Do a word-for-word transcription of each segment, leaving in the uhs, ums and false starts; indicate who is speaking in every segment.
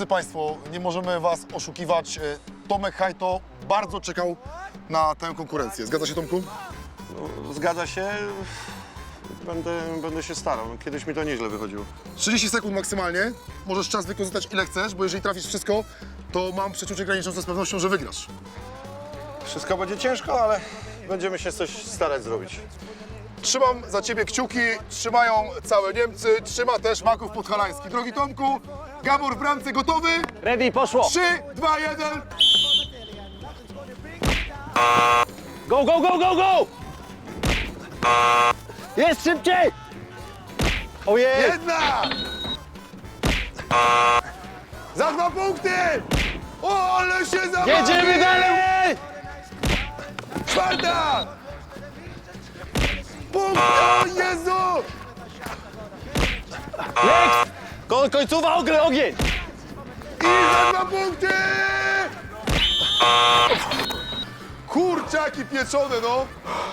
Speaker 1: Drodzy Państwo, nie możemy Was oszukiwać. Tomek Hajto bardzo czekał na tę konkurencję. Zgadza się, Tomku?
Speaker 2: No, zgadza się. Będę, będę się starał. Kiedyś mi to nieźle wychodziło.
Speaker 1: trzydzieści sekund maksymalnie. Możesz czas wykorzystać ile chcesz, bo jeżeli trafisz wszystko, to mam przeczucie graniczące z pewnością, że wygrasz.
Speaker 2: Wszystko będzie ciężko, ale będziemy się coś starać zrobić.
Speaker 1: Trzymam za Ciebie kciuki, trzymają całe Niemcy, trzyma też Maków Podhalański. Drogi Tomku, Gabor w bramce gotowy?
Speaker 3: Ready, poszło!
Speaker 1: trzy, dwa, jeden.
Speaker 3: Go, go, go, go, go! Jest szybciej! Ojej!
Speaker 1: Jedna! Za dwa punkty! O, ale się zabawi!
Speaker 3: Jedziemy dalej!
Speaker 1: Czwarta! Punkt! O Jezu!
Speaker 3: Next! Ko końcowa ogień, ogień!
Speaker 1: I za dwa punkty! Kurczaki pieczone, no!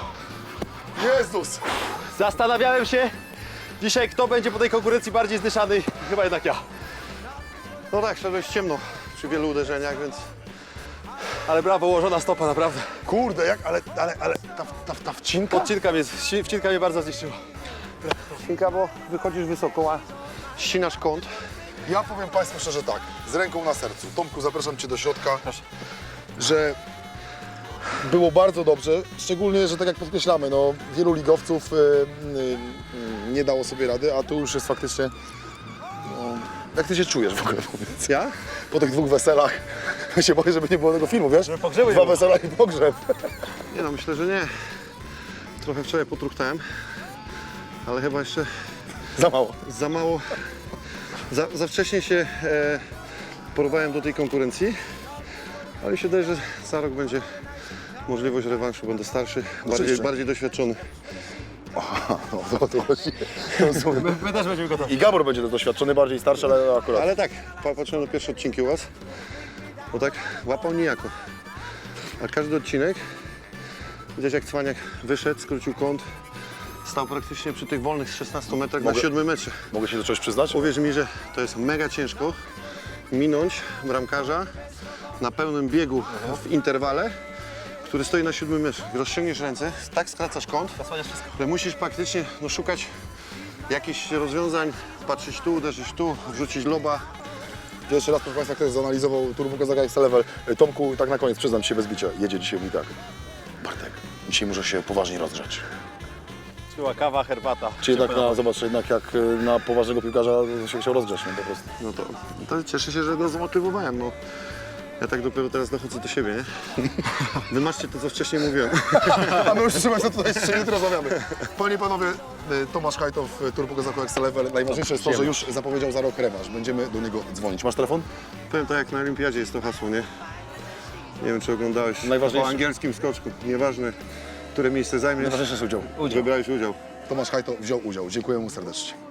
Speaker 1: Jezus!
Speaker 3: Zastanawiałem się dzisiaj, kto będzie po tej konkurencji bardziej zdyszany. Chyba jednak ja.
Speaker 2: No tak, szedłeś ciemno przy wielu uderzeniach, więc
Speaker 3: Ale brawo, ułożona stopa, naprawdę.
Speaker 1: Kurde, jak, ale, ale, ale ta, ta, ta wcinka?
Speaker 3: Podcinka mnie, wcinka mnie bardzo zniszczyła.
Speaker 2: Cinka, bo wychodzisz wysoko, a ścinasz kąt.
Speaker 1: Ja powiem Państwu szczerze tak, z ręką na sercu. Tomku, zapraszam Cię do środka, że było bardzo dobrze, szczególnie, że tak jak podkreślamy, no, wielu ligowców y, y, y, nie dało sobie rady, a tu już jest faktycznie... No, jak Ty się czujesz w ogóle, powiedz?
Speaker 2: Ja?
Speaker 1: Po tych dwóch weselach, ja się boję, żeby nie było tego filmu, wiesz?
Speaker 3: pogrzebu nie
Speaker 1: Dwa
Speaker 3: było.
Speaker 1: wesela i pogrzeb.
Speaker 2: Nie no, myślę, że nie. Trochę wczoraj potruchtałem, ale chyba jeszcze
Speaker 1: Za mało.
Speaker 2: za mało, za, za wcześnie się e, porwałem do tej konkurencji, ale się wydaje, że za rok będzie możliwość rewanszu, będę starszy, bardziej,
Speaker 1: Oczywiście.
Speaker 2: bardziej doświadczony.
Speaker 1: No, to, to właśnie.
Speaker 3: My, my też będziemy gotowi.
Speaker 1: I Gabor będzie doświadczony, bardziej starszy, ale akurat.
Speaker 2: Ale tak, pa- patrzyłem na pierwsze odcinki u was, bo tak łapał niejako. A każdy odcinek, widać jak Cwaniak wyszedł, skrócił kąt, stał praktycznie przy tych wolnych z szesnastu metrach
Speaker 1: Mogę-
Speaker 2: na siódmym metrze.
Speaker 1: Mogę się do czegoś przyznać?
Speaker 2: Uwierz mi, że to jest mega ciężko minąć bramkarza na pełnym biegu w interwale, który stoi na siódmym metrze. Rozciągniesz ręce, tak skracasz kąt, że musisz praktycznie no, szukać jakichś rozwiązań, patrzeć tu, uderzyć tu, wrzucić loba.
Speaker 1: Pierwszy raz, proszę Państwa, ktoś zanalizował Turbo Kozaka X Level. Tomku, tak na koniec, przyznam się bez bicia, jedzie dzisiaj mi tak. Bartek, dzisiaj muszę się poważnie rozgrzać.
Speaker 3: Była kawa, herbata.
Speaker 1: Czy jednak, na, zobacz, jednak jak y, na poważnego piłkarza się chciał rozgrzać, no po prostu.
Speaker 2: No to, to cieszę się, że go zmotywowałem. No. Ja tak dopiero teraz dochodzę do siebie, nie? Wymaczcie to, co wcześniej mówiłem.
Speaker 1: A my już proszę Państwa tutaj jeszcze jutro rozmawiamy. Panie i Panowie, y, Tomasz Hajtow, y, Turbo Kozaka X Level. Najważniejsze jest to, że już zapowiedział za rok rewanż. Będziemy do niego dzwonić. Masz telefon?
Speaker 2: Powiem tak, jak na Olimpiadzie jest to hasło, nie? Nie wiem, czy oglądałeś
Speaker 1: Najważniejsze-
Speaker 2: po angielskim skoczku. Nieważne, które miejsce zajmiesz,
Speaker 1: Najważniejsze jest udział.
Speaker 2: wybrałeś udział.
Speaker 1: Tomasz Hajto wziął udział. Dziękuję mu serdecznie.